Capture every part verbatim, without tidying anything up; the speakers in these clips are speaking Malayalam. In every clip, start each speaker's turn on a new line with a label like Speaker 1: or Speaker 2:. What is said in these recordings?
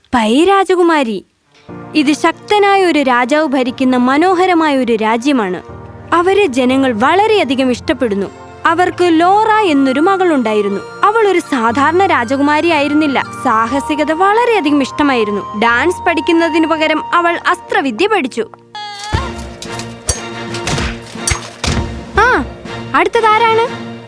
Speaker 1: പൈ രാജകുമാരി, ഇത് ശക്തനായ ഒരു രാജാവ് ഭരിക്കുന്ന മനോഹരമായ ഒരു രാജ്യമാണ്. അവരെ ജനങ്ങൾ വളരെയധികം ഇഷ്ടപ്പെടുന്നു. അവർക്ക് ലോറ എന്നൊരു മകളുണ്ടായിരുന്നു. അവൾ ഒരു സാധാരണ രാജകുമാരി ആയിരുന്നില്ല. സാഹസികത വളരെയധികം ഇഷ്ടമായിരുന്നു. ഡാൻസ് പഠിക്കുന്നതിനു പകരം അവൾ അസ്ത്രവിദ്യ പഠിച്ചു. ആ, അടുത്തതാരാണ്?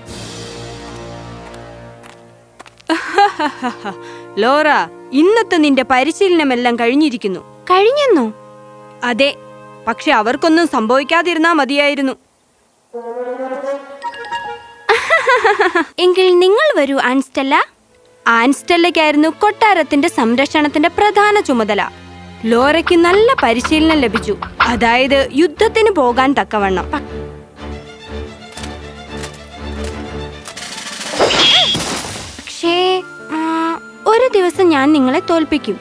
Speaker 1: ലോറ, ഇന്നത്തെ നിന്റെ പരിശീലനമെല്ലാം കഴിഞ്ഞിരിക്കുന്നു. കഴിഞ്ഞെന്നോ? അതെ, പക്ഷെ അവർക്കൊന്നും സംഭവിക്കാതിരുന്നാ മതിയായിരുന്നു. എങ്കിൽ നിങ്ങൾ വരൂ ആൻസ്റ്റെല്ല. ആൻസ്റ്റെല്ലയ്ക്കായിരുന്നു കൊട്ടാരത്തിന്റെ സംരക്ഷണത്തിന്റെ പ്രധാന ചുമതല. ലോറയ്ക്ക് നല്ല പരിശീലനം ലഭിച്ചു, അതായത് യുദ്ധത്തിന് പോകാൻ തക്കവണ്ണം. പക്ഷേ ഒരു ദിവസം ഞാൻ നിങ്ങളെ തോൽപ്പിക്കും.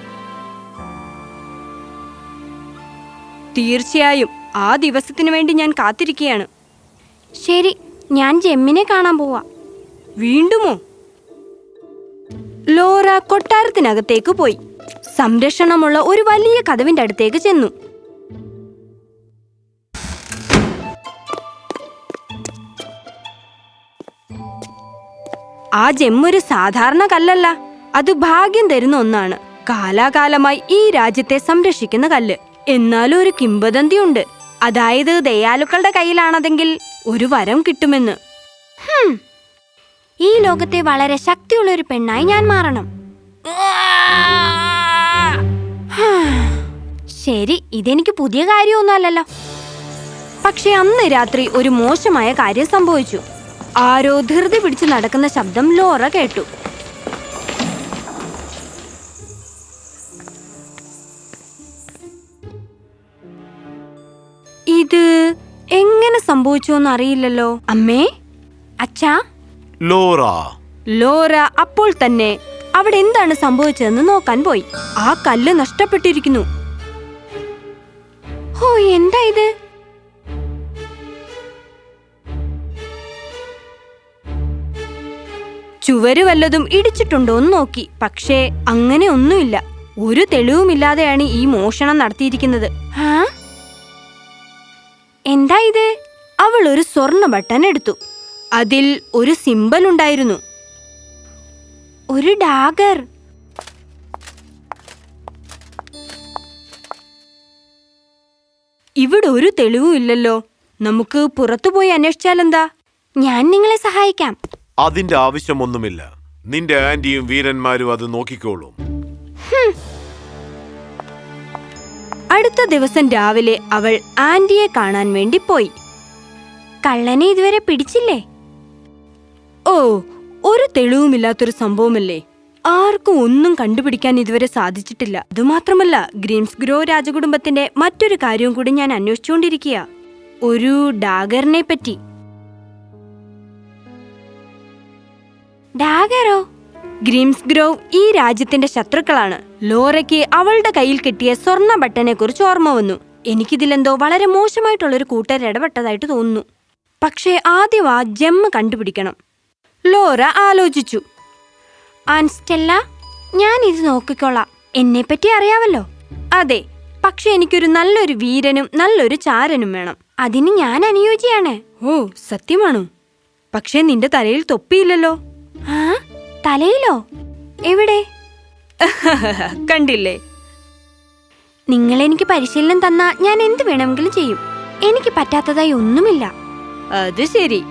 Speaker 1: തീർച്ചയായും ആ ദിവസത്തിനു വേണ്ടി ഞാൻ കാത്തിരിക്കുകയാണ്. ശരി, ഞാൻ ജെമ്മിനെ കാണാൻ പോവാ. വീണ്ടുമോ? ലോറ കൊട്ടാരത്തിനകത്തേക്ക് പോയി സംരക്ഷണമുള്ള ഒരു വലിയ കതവിന്റെ അടുത്തേക്ക് ചെന്നു. ആ ജെമ്മൊരു സാധാരണ കല്ലല്ല, അത് ഭാഗ്യം തരുന്ന ഒന്നാണ്. കാലാകാലമായി ഈ രാജ്യത്തെ സംരക്ഷിക്കുന്ന കല്ല്. എന്നാലും ഒരു കിംവദന്തിയുണ്ട്, അതായത് ദയാലുക്കളുടെ കയ്യിലാണതെങ്കിൽ ഒരു വരം കിട്ടുമെന്ന്. ഈ ലോകത്തെ വളരെ ശക്തിയുള്ള ഒരു പെണ്ണായി ഞാൻ മാറണം. ശരി, ഇതെനിക്ക് പുതിയ കാര്യമൊന്നുമല്ലല്ലോ. പക്ഷെ അന്ന് രാത്രി ഒരു മോശമായ കാര്യം സംഭവിച്ചു. ആരോ ധൃതി പിടിച്ച് നടക്കുന്ന ശബ്ദം ലോറ കേട്ടു. ഇത് എങ്ങനെ സംഭവിച്ചു എന്നറിയില്ലല്ലോ. അമ്മേ, അച്ഛാ.
Speaker 2: ലോറ
Speaker 1: ലോറ അപ്പോൾ തന്നെ അവിടെ എന്താണ് സംഭവിച്ചതെന്ന് നോക്കാൻ പോയി. ആ കല്ല് നഷ്ടപ്പെട്ടിരിക്കുന്നു. ഓ, എന്താ ഇത്? ചുവര് വല്ലതും ഇടിച്ചിട്ടുണ്ടോ എന്ന് നോക്കി, പക്ഷേ അങ്ങനെ ഒന്നുമില്ല. ഒരു തെളിവുമില്ലാതെയാണ് ഈ മോഷണം നടത്തിയിരിക്കുന്നത്. എന്താ ഇത്? അവൾ ഒരു സ്വർണ്ണ ബട്ടൺ എടുത്തു. അതിൽ ഒരു സിംബൽ ഉണ്ടായിരുന്നു, ഒരു ഡാഗർ. ഇവിടെ ഒരു തെളിവും ഇല്ലല്ലോ. നമുക്ക് പുറത്തുപോയി അന്വേഷിച്ചാലെന്താ? ഞാൻ നിങ്ങളെ സഹായിക്കാം.
Speaker 2: അതിന്റെ ആവശ്യമൊന്നുമില്ല. നിന്റെ ആന്റിയും വീരന്മാരും അത് നോക്കിക്കോളും.
Speaker 1: അടുത്ത ദിവസം രാവിലെ അവൾ ആന്റിയെ കാണാൻ വേണ്ടി പോയി. കള്ളനെ ഇതുവരെ പിടിച്ചില്ലേ? ഓ, ഒരു തെളിവുമില്ലാത്തൊരു സംഭവമല്ലേ. ആർക്കും ഒന്നും കണ്ടുപിടിക്കാൻ ഇതുവരെ സാധിച്ചിട്ടില്ല. അതുമാത്രമല്ല, ഗ്രീംസ്ഗ്രോ രാജകുടുംബത്തിന്റെ മറ്റൊരു കാര്യവും കൂടി ഞാൻ അന്വേഷിച്ചുകൊണ്ടിരിക്കുക, ഒരു ഡാഗറിനെ പറ്റി. ഡാഗറോ? ഗ്രീംസ്ഗ്രോ ഈ രാജ്യത്തിന്റെ ശത്രുക്കളാണ്. ലോറയ്ക്ക് അവളുടെ കയ്യിൽ കിട്ടിയ സ്വർണ്ണ ബട്ടനെ കുറിച്ച് ഓർമ്മ വന്നു. എനിക്കിതിലെന്തോ വളരെ മോശമായിട്ടുള്ളൊരു കൂട്ടർ ഇടപെട്ടതായിട്ട് തോന്നുന്നു. പക്ഷേ ആദ്യം ആ ജെമ്മ് കണ്ടുപിടിക്കണം. ലോറ ആലോചിച്ചു. ആൻസ്റ്റെല്ല, ഞാൻ ഇത് നോക്കിക്കോളാം. എന്നെപ്പറ്റി അറിയാവല്ലോ. അതെ, പക്ഷെ എനിക്കൊരു നല്ലൊരു വീരനും നല്ലൊരു ചാരനും വേണം. അതിന് ഞാൻ അനുയോജ്യയാണ്. ഓ, സത്യമാണോ? പക്ഷേ നിന്റെ തലയിൽ തൊപ്പിയില്ലല്ലോ. ആ, തലയിലോ? എവിടെ? കണ്ടില്ലേ? നിങ്ങൾ എനിക്ക് പരിശീലനം തന്നാ ഞാൻ എന്ത് വേണമെങ്കിലും ചെയ്യും. എനിക്ക് പറ്റാത്തതായി ഒന്നുമില്ല. അത് ശരി.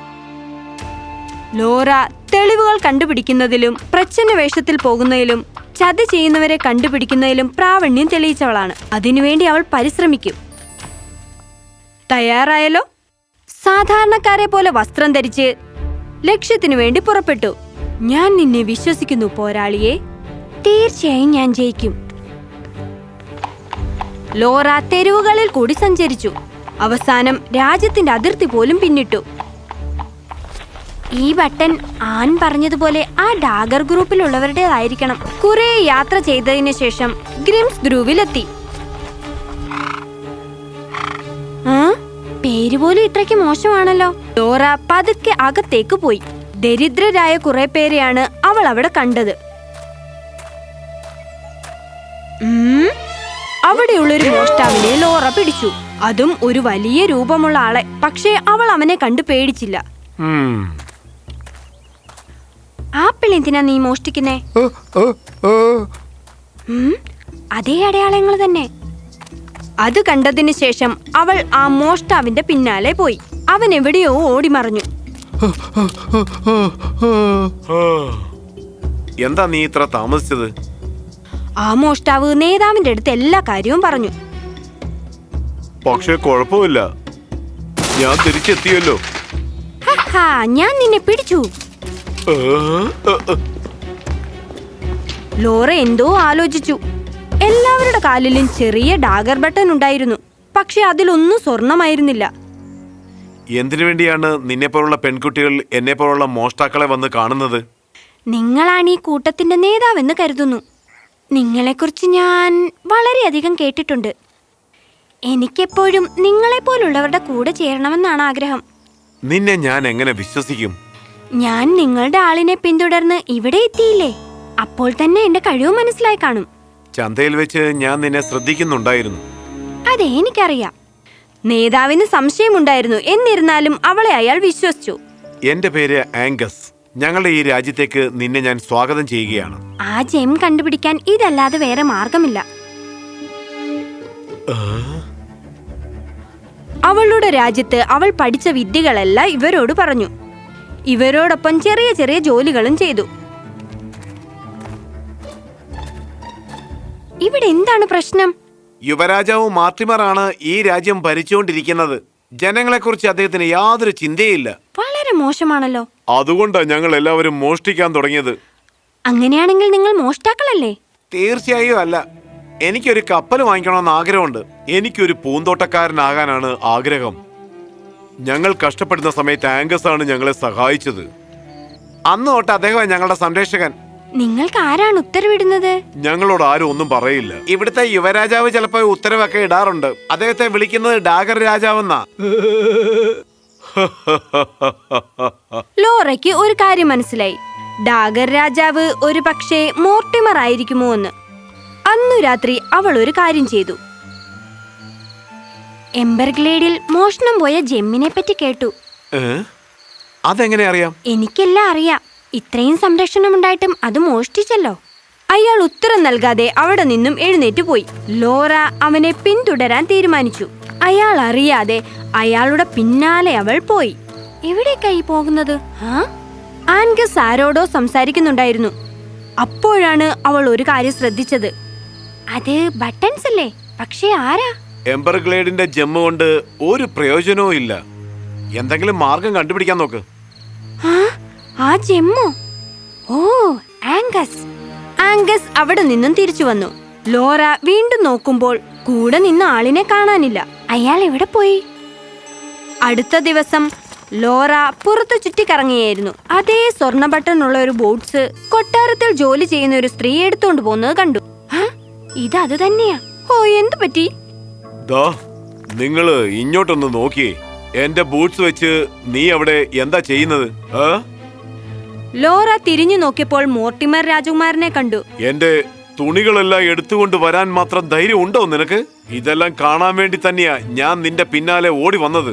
Speaker 1: ലോറ തെളിവുകൾ കണ്ടുപിടിക്കുന്നതിലും പ്രച്ഛന്ന വേഷത്തിൽ പോകുന്നതിലും ചതി ചെയ്യുന്നവരെ കണ്ടുപിടിക്കുന്നതിലും പ്രാവീണ്യം തെളിയിച്ചവളാണ്. അതിനുവേണ്ടി അവൾ പരിശ്രമിക്കും. തയ്യാറായല്ലോ? സാധാരണക്കാരെ പോലെ വസ്ത്രം ധരിച്ച് ലക്ഷ്യത്തിനു വേണ്ടി പുറപ്പെട്ടു. ഞാൻ നിന്നെ വിശ്വസിക്കുന്നു പോരാളിയെ. തീർച്ചയായും ഞാൻ ജയിക്കും. ലോറ തെരുവുകളിൽ കൂടി സഞ്ചരിച്ചു. അവസാനം രാജ്യത്തിന്റെ അതിർത്തി പോലും പിന്നിട്ടു. ഈ ബട്ടൺ ആൻ പറഞ്ഞതുപോലെ ആ ഡാഗർ ഗ്രൂപ്പിലുള്ളവരുടേതായിരിക്കണം. കുറെ യാത്ര ചെയ്തതിനു ശേഷം ഗ്രിംസ്ഗ്രൂവിലെത്തി. ആ, പേര് പോലും ഇത്രയ്ക്ക് മോശമാണല്ലോ. ലോറ പതുക്കെ അകത്തേക്ക് പോയി. ദരിദ്രരായ കുറെ പേരെയാണ് അവൾ അവിടെ കണ്ടത്. അവിടെയുള്ളൊരു മോഷ്ടാവിനെ ലോറ പിടിച്ചു. അതും ഒരു വലിയ രൂപമുള്ള ആളെ. പക്ഷേ അവൾ അവനെ കണ്ടു പേടിച്ചില്ല. ആപ്പിൾ എന്തിനാ നീ മോഷ്ടിക്കുന്നേ? അതേ അടയാളങ്ങൾ തന്നെ. അത് കണ്ടതിന് ശേഷം അവൾ ആ മോഷ്ടാവിന്റെ പിന്നാലെ പോയി. അവൻ എവിടെയോ ഓടിമറഞ്ഞു.
Speaker 2: എന്താ നീ ഇത്ര താമസിച്ചത്?
Speaker 1: ആ മോഷ്ടാവ് നേതാവിന്റെ അടുത്ത് എല്ലാ കാര്യവും പറഞ്ഞു.
Speaker 2: പക്ഷെ കുഴപ്പമില്ല, ഞാൻ തിരിച്ചെത്തിയല്ലോ.
Speaker 1: ഞാൻ നിന്നെ പിടിച്ചു. ലോറ എന്തോ ആലോചിച്ചു. എല്ലാവരുടെ കാലിലും ചെറിയ ഡാഗർ ബട്ടൺ ഉണ്ടായിരുന്നു. പക്ഷെ അതിലൊന്നും സ്വർണമായിരുന്നില്ല.
Speaker 2: എന്തിനു വേണ്ടിയാണ് നിന്നെ പോലുള്ള പെൺകുട്ടികൾ എന്നെ പോലുള്ള മോഷ്ടാക്കളെ വന്ന് കാണുന്നത്?
Speaker 1: നിങ്ങളാണ് ഈ കൂട്ടത്തിന്റെ നേതാവെന്ന് കരുതുന്നു. നിങ്ങളെക്കുറിച്ച് ഞാൻ വളരെയധികം കേട്ടിട്ടുണ്ട്. എനിക്കെപ്പോഴും നിങ്ങളെപ്പോലുള്ളവരുടെ കൂടെ ചേരണമെന്നാണ് ആഗ്രഹം.
Speaker 2: നിന്നെ ഞാൻ എങ്ങനെ വിശ്വസിക്കും?
Speaker 1: ഞാൻ നിങ്ങളുടെ ആളിനെ പിന്തുടർന്ന് ഇവിടെ എത്തിയില്ലേ? അപ്പോൾ തന്നെ എന്റെ കഴിവ് മനസ്സിലായി കാണും.
Speaker 2: ചന്തയിൽ വെച്ച് ഞാൻ നിന്നെ ശ്രദ്ധിക്കുന്നുണ്ടായിരുന്നു.
Speaker 1: അതെ, എനിക്കറിയാം. നേതാവിന് സംശയമുണ്ടായിരുന്നു. എന്നിരുന്നാലും അവളെ അയാൾ വിശ്വസിച്ചു.
Speaker 2: എന്റെ പേര് ആംഗസ്. ഞങ്ങളുടെ ഈ രാജ്യത്തേക്ക് നിന്നെ ഞാൻ സ്വാഗതം ചെയ്യുകയാണ്.
Speaker 1: ആ ജെം കണ്ടുപിടിക്കാൻ ഇതല്ലാതെ വേറെ മാർഗമില്ല. അവളുടെ രാജ്യത്ത് അവൾ പഠിച്ച വിദ്യകളെല്ലാം ഇവരോട് പറഞ്ഞു. ഇവരോടൊപ്പം ചെറിയ ചെറിയ ജോലികളും ചെയ്തു. ഇവിടെ എന്താണ് പ്രശ്നം?
Speaker 2: യുവരാജാവ് മാർട്ടിമറാണ് ഈ രാജ്യം ഭരിച്ചുകൊണ്ടിരിക്കുന്നത്. ജനങ്ങളെക്കുറിച്ച് അദ്ദേഹത്തിന് യാതൊരു ചിന്തയില്ല.
Speaker 1: വളരെ മോശമാണല്ലോ.
Speaker 2: അതുകൊണ്ടാണ് ഞങ്ങൾ എല്ലാവരും മോഷ്ടിക്കാൻ തുടങ്ങിയത്.
Speaker 1: അങ്ങനെയാണെങ്കിൽ നിങ്ങൾ മോഷ്ടാക്കളല്ലേ?
Speaker 2: തീർച്ചയായും അല്ല. എനിക്കൊരു കപ്പൽ വാങ്ങിക്കണമെന്ന് ആഗ്രഹമുണ്ട്. എനിക്കൊരു പൂന്തോട്ടക്കാരനാകാനാണ് ആഗ്രഹം. ഞങ്ങൾ കഷ്ടപ്പെടുന്ന സമയത്ത് ആംഗസ് ആണ് ഞങ്ങളെ സഹായിച്ചത്. അന്ന് തൊട്ട് അദ്ദേഹം ഞങ്ങളുടെ സംരക്ഷകൻ.
Speaker 1: നിങ്ങൾക്ക് ആരാണ് ഉത്തരവിടുന്നത്?
Speaker 2: ഞങ്ങളോട് ആരും ഒന്നും പറയില്ല. ഇവിടുത്തെ യുവരാജാവ് ചിലപ്പോ ഉത്തരവൊക്കെ ഇടാറുണ്ട്. അദ്ദേഹത്തെ വിളിക്കുന്നത് ഡാഗർ രാജാവെന്നാ.
Speaker 1: ലോറയ്ക്ക് ഒരു കാര്യം മനസ്സിലായി. ഡാഗർ രാജാവ് ഒരു പക്ഷേ മോർട്ടിമർ ആയിരിക്കുമോ എന്ന്. അന്നു രാത്രി അവൾ ഒരു കാര്യം ചെയ്തു. എംബർഗ്ലേഡിൽ മോഷണം പോയ ജെമ്മിനെ പറ്റി കേട്ടു.
Speaker 2: അതെങ്ങനെ അറിയാം?
Speaker 1: എനിക്കെല്ലാം അറിയാം. ഇത്രയും സംരക്ഷണം ഉണ്ടായിട്ടും അത് മോഷ്ടിച്ചല്ലോ. അയാൾ ഉത്തരം നൽകാതെ അവിടെ നിന്നും എഴുന്നേറ്റ് പോയി. ലോറ അവനെ പിന്തുടരാൻ തീരുമാനിച്ചു. അയാൾ അറിയാതെ അയാളുടെ പിന്നാലെ അവൾ പോയി. എവിടേക്കായി പോകുന്നത്? ആൻഗസ് ആരോടോ സംസാരിക്കുന്നുണ്ടായിരുന്നു. അപ്പോഴാണ് അവൾ ഒരു കാര്യം ശ്രദ്ധിച്ചത്. അത് ബട്ടൺസ് അല്ലേ? പക്ഷേ ആരാ?
Speaker 2: എംബർഗ്ലേഡിന്റെ ജെമ്മ് കൊണ്ട് ഒരു പ്രയോജനവും ഇല്ല. എന്തെങ്കിലും മാർഗം കണ്ടുപിടിക്കാൻ നോക്ക്.
Speaker 1: ആ ജെമ്മോ? ഓ, ആംഗസ്. ആംഗസ് അവിടെ നിന്നും തിരിച്ചു വന്നു. ലോറ വീണ്ടും നോക്കുമ്പോൾ കൂടെ നിന്ന ആളിനെ കാണാനില്ല. അയാൾ എവിടെ പോയി? അടുത്ത ദിവസം ലോറ പുറത്തു ചുറ്റിക്കറങ്ങിയായിരുന്നു. അതേ സ്വർണ്ണ ബട്ടൺ ഉള്ള ഒരു ബോട്ട്സ് കൊട്ടാരത്തിൽ ജോലി ചെയ്യുന്ന ഒരു സ്ത്രീ എടുത്തുകൊണ്ട് പോകുന്നത് കണ്ടു. ഇത് അത് തന്നെയാ. ഓ, എന്തു പറ്റി?
Speaker 2: നിങ്ങള് ഇങ്ങോട്ടൊന്ന് നോക്കിയേ. എന്റെ ബൂട്ട്സ് വെച്ച് നീ അവിടെ എന്താ ചെയ്യുന്നത്?
Speaker 1: ലോറ തിരിഞ്ഞു നോക്കിയപ്പോൾ മോർട്ടിമർ രാജകുമാരനെ കണ്ടു.
Speaker 2: എന്റെ തുണികളെല്ലാം എടുത്തുകൊണ്ട് വരാൻ മാത്രം ധൈര്യം ഉണ്ടോ നിനക്ക്? ഇതെല്ലാം കാണാൻ വേണ്ടി തന്നെയാ ഞാൻ നിന്റെ പിന്നാലെ ഓടി വന്നത്.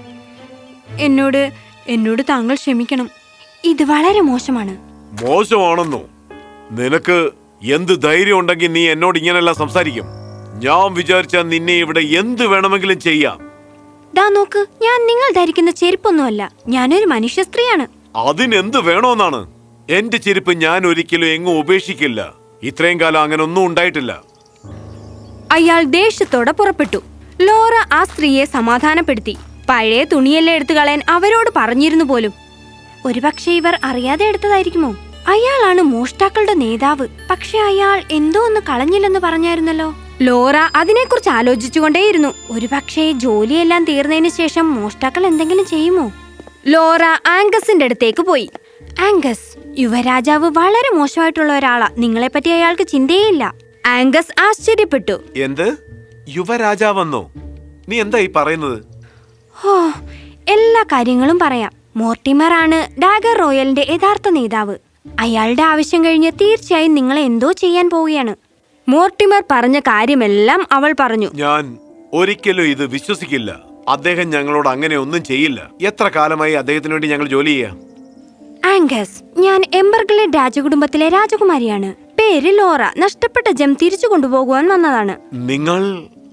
Speaker 1: എന്നോട് എന്നോട് താങ്കൾ ക്ഷമിക്കണം. ഇത് വളരെ മോശമാണ്.
Speaker 2: മോശമാണെന്നോ? നിനക്ക് എന്ത് ധൈര്യം ഉണ്ടെങ്കിൽ നീ എന്നോട് ഇങ്ങനെല്ലാം സംസാരിക്കും? ഞാൻ വിചാരിച്ച നിന്നെ ഇവിടെ എന്ത് വേണമെങ്കിലും ചെയ്യാം.
Speaker 1: ദാ നോക്ക്, ഞാൻ നിങ്ങൾ ധരിക്കുന്ന ചെരുപ്പൊന്നുമല്ല. ഞാനൊരു മനുഷ്യ സ്ത്രീയാണ്.
Speaker 2: അതിനെന്ത് വേണോന്നാണ്? എന്റെ ചെരുപ്പ് ഞാൻ ഒരിക്കലും എങ്ങും ഉപേക്ഷിക്കില്ല. ഇത്രയും കാലം അങ്ങനെ ഒന്നും ഉണ്ടായിട്ടില്ല.
Speaker 1: അയാൾ ദേഷ്യത്തോടെ പുറപ്പെട്ടു. ലോറ ആ സ്ത്രീയെ സമാധാനപ്പെടുത്തി. പഴയ തുണിയെല്ലാം എടുത്തു കളയാൻ അവരോട് പറഞ്ഞിരുന്നു പോലും. ഒരുപക്ഷെ ഇവർ അറിയാതെ എടുത്തതായിരിക്കുമോ? അയാളാണ് മോഷ്ടാക്കളുടെ നേതാവ്. പക്ഷെ അയാൾ എന്തോ ഒന്ന് കളഞ്ഞില്ലെന്ന് പറഞ്ഞായിരുന്നല്ലോ. ലോറ അതിനെക്കുറിച്ച് ആലോചിച്ചുകൊണ്ടേയിരുന്നു. ഒരുപക്ഷെ ജോലിയെല്ലാം തീർന്നതിന് ശേഷം മോഷ്ടാക്കൾ എന്തെങ്കിലും ചെയ്യുമോ? ലോറ ആംഗസിന്റെ അടുത്തേക്ക് പോയി. ആംഗസ്, യുവരാജാവ് വളരെ മോശമായിട്ടുള്ള ഒരാളാ. നിങ്ങളെപ്പറ്റി അയാൾക്ക് ചിന്തയേയില്ല. ആംഗസ് ആശ്ചര്യപ്പെട്ടു.
Speaker 2: എന്ത്? യുവരാജാവെന്നോ? നീ എന്താ ഈ പറയുന്നത്?
Speaker 1: ഓ, എല്ലാ കാര്യങ്ങളും പറയാം. മോർട്ടിമർ ആണ് ഡാഗർ റോയലിന്റെ യഥാർത്ഥ നേതാവ്. അയാളുടെ ആവശ്യം കഴിഞ്ഞ് തീർച്ചയായും നിങ്ങളെ എന്തോ ചെയ്യാൻ പോവുകയാണ്. മോർട്ടിമർ പറഞ്ഞ കാര്യമെല്ലാം അവൾ പറഞ്ഞു.
Speaker 2: ഞാൻ ഒരിക്കലും ഇത് വിശ്വസിക്കില്ല. അദ്ദേഹം ഞങ്ങളോട് അങ്ങനെ ഒന്നും ചെയ്യില്ല. എത്ര കാലമായി അദ്ദേഹത്തിന് വേണ്ടി ഞങ്ങൾ ജോലി ചെയ്യാം.
Speaker 1: ആംഗസ്, ഞാൻ എംബർഗ്ലേഡ് രാജകുടുംബത്തിലെ രാജകുമാരിയാണ്. പേര് ലോറ. നഷ്ടപ്പെട്ട ജെം തിരിച്ചു കൊണ്ടുപോകുവാൻ വന്നതാണ്.
Speaker 2: നിങ്ങൾ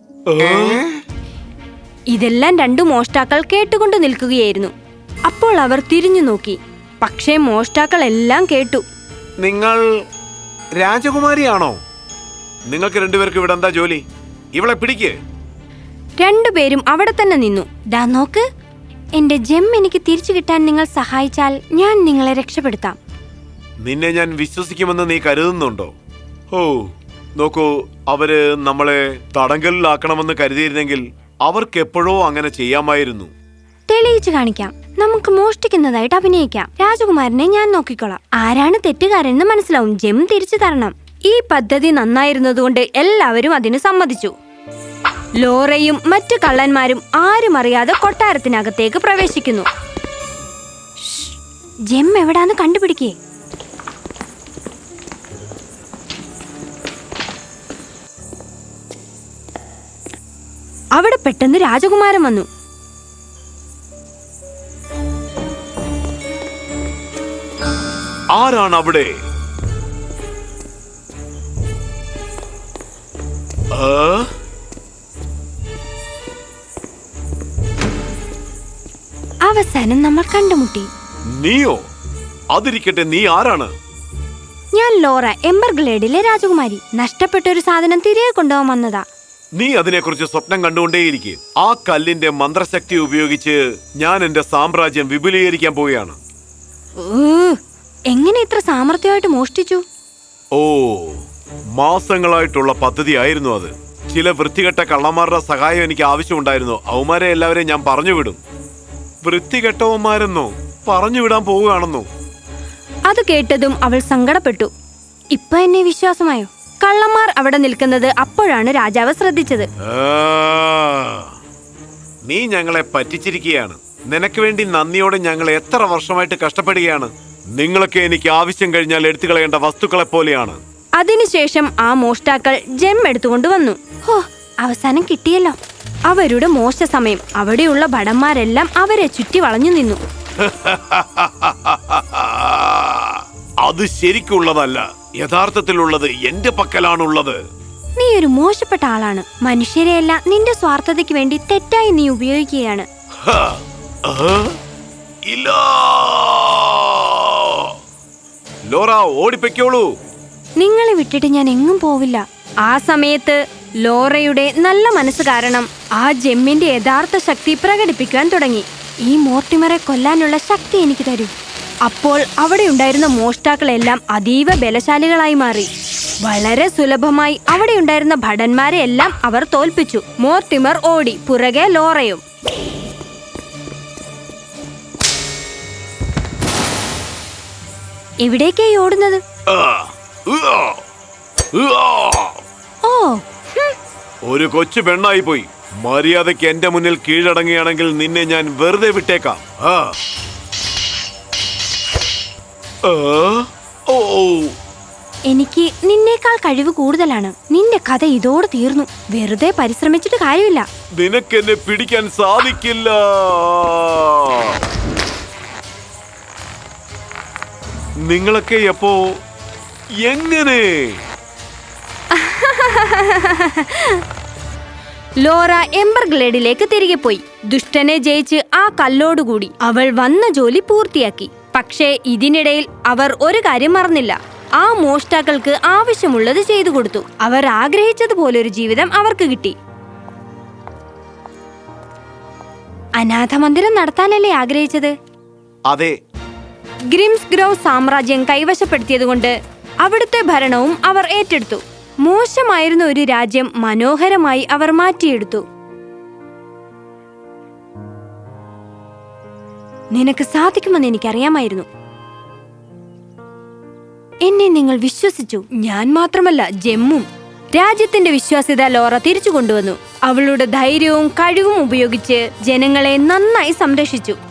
Speaker 1: ഇതെല്ലാം രണ്ടു മോഷ്ടാക്കൾ കേട്ടുകൊണ്ട് നിൽക്കുകയായിരുന്നു. അപ്പോൾ അവർ തിരിഞ്ഞു നോക്കി. പക്ഷേ മോഷ്ടാക്കൾ എല്ലാം കേട്ടു.
Speaker 2: നിങ്ങൾ രാജകുമാരിയാണോ? നിങ്ങൾക്ക് രണ്ടുപേർക്ക് ഇവിടെ എന്താ ജോലി? ഇവളെ പിടിക്ക്.
Speaker 1: രണ്ടുപേരും അവിടെ തന്നെ നിന്നു. ദാ നോക്ക്, എന്റെ ജെം എനിക്ക് തിരിച്ചു കിട്ടാൻ നിങ്ങൾ സഹായിച്ചാൽ ഞാൻ നിങ്ങളെ രക്ഷപ്പെടുത്താം.
Speaker 2: നിന്നെ ഞാൻ വിശ്വസിക്കുമെന്ന് നീ കരുതുന്നുണ്ടോ? ഓ നോക്കൂ, അവര് നമ്മളെ തടങ്കലിലാക്കണമെന്ന് കരുതിയിരുന്നെങ്കിൽ അവർക്ക് എപ്പോഴോ അങ്ങനെ ചെയ്യാമായിരുന്നു.
Speaker 1: തെളിയിച്ചു കാണിക്കാം. നമുക്ക് മോഷ്ടിക്കുന്നതായിട്ട് അഭിനയിക്കാം. രാജകുമാരനെ ഞാൻ നോക്കിക്കോളാം. ആരാണ് തെറ്റുകാരെന്ന് മനസ്സിലാവും. ജെം തിരിച്ചു തരണം. ഈ പദ്ധതി നന്നായിരുന്നതുകൊണ്ട് എല്ലാവരും അതിന് സമ്മതിച്ചു. ലോറയും മറ്റു കള്ളന്മാരും ആരും അറിയാതെ കൊട്ടാരത്തിനകത്തേക്ക് പ്രവേശിക്കുന്നു. ജെം എവിടാന്ന് കണ്ടുപിടിക്കേ. അവിടെ പെട്ടെന്ന് രാജകുമാരൻ വന്നു.
Speaker 2: ആരാണ് അവിടെ?
Speaker 1: അവസാനം നമ്മൾ കണ്ടുമുട്ടി.
Speaker 2: നീയോ? അതിരിക്കട്ടെ, നീ ആരാണ്?
Speaker 1: ഞാൻ ലോറ, എംബർഗ്ലേഡിലെ രാജകുമാരി. നഷ്ടപ്പെട്ട ഒരു സാധനം തിരികെ കൊണ്ടുപോകാൻ വന്നതാ.
Speaker 2: നീ അതിനെക്കുറിച്ച് സ്വപ്നം കണ്ടുകൊണ്ടേയിരിക്കെ. ആ കല്ലിന്റെ മന്ത്രശക്തി ഉപയോഗിച്ച് ഞാൻ എന്റെ സാമ്രാജ്യം വിപുലീകരിക്കാൻ പോവുകയാണ്.
Speaker 1: എങ്ങനെ ഇത്ര സാമർത്ഥ്യമായിട്ട് മോഷ്ടിച്ചു?
Speaker 2: ഓ, മാസങ്ങളായിട്ടുള്ള പദ്ധതിയായിരുന്നു അത്. ചില വൃത്തികെട്ട കള്ളന്മാരുടെ സഹായം എനിക്ക് ആവശ്യമുണ്ടായിരുന്നു. അവന്മാരെ എല്ലാവരെയും ഞാൻ പറഞ്ഞുവിടും. വൃത്തികെട്ടവന്മാരെന്നോ? പറഞ്ഞുവിടാൻ പോവുകയാണെന്നോ?
Speaker 1: അത് കേട്ടതും അവൾ സങ്കടപ്പെട്ടു. ഇപ്പൊ എന്നെ വിശ്വാസമായോ? കള്ളന്മാർ അവിടെ നിൽക്കുന്നത് അപ്പോഴാണ് രാജാവ് ശ്രദ്ധിച്ചത്.
Speaker 2: നീ ഞങ്ങളെ പറ്റിച്ചിരിക്കുകയാണ്. നിനക്ക് വേണ്ടി നന്ദിയോടെ ഞങ്ങൾ എത്ര വർഷമായിട്ട് കഷ്ടപ്പെടുകയാണ്. നിങ്ങളൊക്കെ എനിക്ക് ആവശ്യം കഴിഞ്ഞാൽ എടുത്തു കളയേണ്ട വസ്തുക്കളെ പോലെയാണ്.
Speaker 1: അതിനുശേഷം ആ മോഷ്ടാക്കൾ ജെം എടുത്തുകൊണ്ടുവന്നു. ഹോ, അവസാനം കിട്ടിയല്ലോ. അവരുടെ മോശ സമയം. അവിടെയുള്ള ഭടന്മാരെല്ലാം അവരെ ചുറ്റി വളഞ്ഞു നിന്നു.
Speaker 2: അത് ശരിക്കുള്ളതല്ല. യഥാർത്ഥത്തിലുള്ളത് എന്റെ പക്കലാണുള്ളത്.
Speaker 1: നീ ഒരു മോശപ്പെട്ട ആളാണ്. മനുഷ്യരെയെല്ലാം നിന്റെ സ്വാർത്ഥതയ്ക്ക് വേണ്ടി തെറ്റായി നീ ഉപയോഗിക്കുകയാണ്.
Speaker 2: ഇല്ല, ലോറ, ഓടിപ്പൊയ്ക്കോളൂ.
Speaker 1: നിങ്ങളെ വിട്ടിട്ട് ഞാൻ എങ്ങും പോവില്ല. ആ സമയത്ത് ലോറയുടെ നല്ല മനസ്സ് കാരണം ആ ജെമ്മിന്റെ യഥാർത്ഥ ശക്തി പ്രകടിപ്പിക്കാൻ തുടങ്ങി. ഈ മോർട്ടിമറെ കൊല്ലാനുള്ള ശക്തി എനിക്ക് തരൂ. അപ്പോൾ അവിടെ ഉണ്ടായിരുന്ന മോഷ്ടാക്കളെല്ലാം അതീവ ബലശാലികളായി മാറി. വളരെ സുലഭമായി അവിടെ ഉണ്ടായിരുന്ന ഭടന്മാരെ എല്ലാം അവർ തോൽപ്പിച്ചു. മോർട്ടിമർ ഓടി, പുറകെ ലോറയും. എവിടേക്കായി ഓടുന്നത്? ഓ,
Speaker 2: ഒരു കൊച്ചു പെണ്ണായി പോയി. മര്യാദയ്ക്ക് എന്റെ മുന്നിൽ കീഴടങ്ങുകയാണെങ്കിൽ നിന്നെ ഞാൻ വെറുതെ വിട്ടേക്കാം.
Speaker 1: എനിക്ക് നിന്നേക്കാൾ കഴിവ് കൂടുതലാണ്. നിന്റെ കഥ ഇതോടെ തീർന്നു. വെറുതെ പരിശ്രമിച്ചിട്ട് കാര്യമില്ല.
Speaker 2: നിനക്കെന്നെ പിടിക്കാൻ സാധിക്കില്ല. നിങ്ങളൊക്കെ എപ്പോ എങ്ങനെ?
Speaker 1: ലോറ എംബർഗ്ലേഡിലേക്ക് തിരികെ പോയി. ദുഷ്ടനെ ജയിച്ച് ആ കല്ലോടുകൂടി അവൾ വന്ന ജോലി പൂർത്തിയാക്കി. പക്ഷേ ഇതിനിടയിൽ അവർ ഒരു കാര്യം മറന്നില്ല. ആ മോഷ്ടാക്കൾക്ക് ആവശ്യമുള്ളത് ചെയ്തു കൊടുത്തു. അവർ ആഗ്രഹിച്ചതുപോലൊരു ജീവിതം അവർക്ക് കിട്ടി. അനാഥ മന്ദിരം നടത്താനല്ലേ ആഗ്രഹിച്ചത്?
Speaker 2: അതെ.
Speaker 1: ഗ്രിംസ് ഗ്രോവ് സാമ്രാജ്യം കൈവശപ്പെടുത്തിയതുകൊണ്ട് അവിടുത്തെ ഭരണവും അവർ ഏറ്റെടുത്തു. മോശമായിരുന്ന ഒരു രാജ്യം മനോഹരമായി അവർ മാറ്റിയെടുത്തു. നിനക്ക് സാധിക്കുമെന്ന് എനിക്കറിയാമായിരുന്നു. എന്നെ നിങ്ങൾ വിശ്വസിച്ചു. ഞാൻ മാത്രമല്ല, ജെമ്മും. രാജ്യത്തിന്റെ വിശ്വാസ്യത ലോറ തിരിച്ചു കൊണ്ടുവന്നു. അവളുടെ ധൈര്യവും കഴിവും ഉപയോഗിച്ച് ജനങ്ങളെ നന്നായി സംരക്ഷിച്ചു.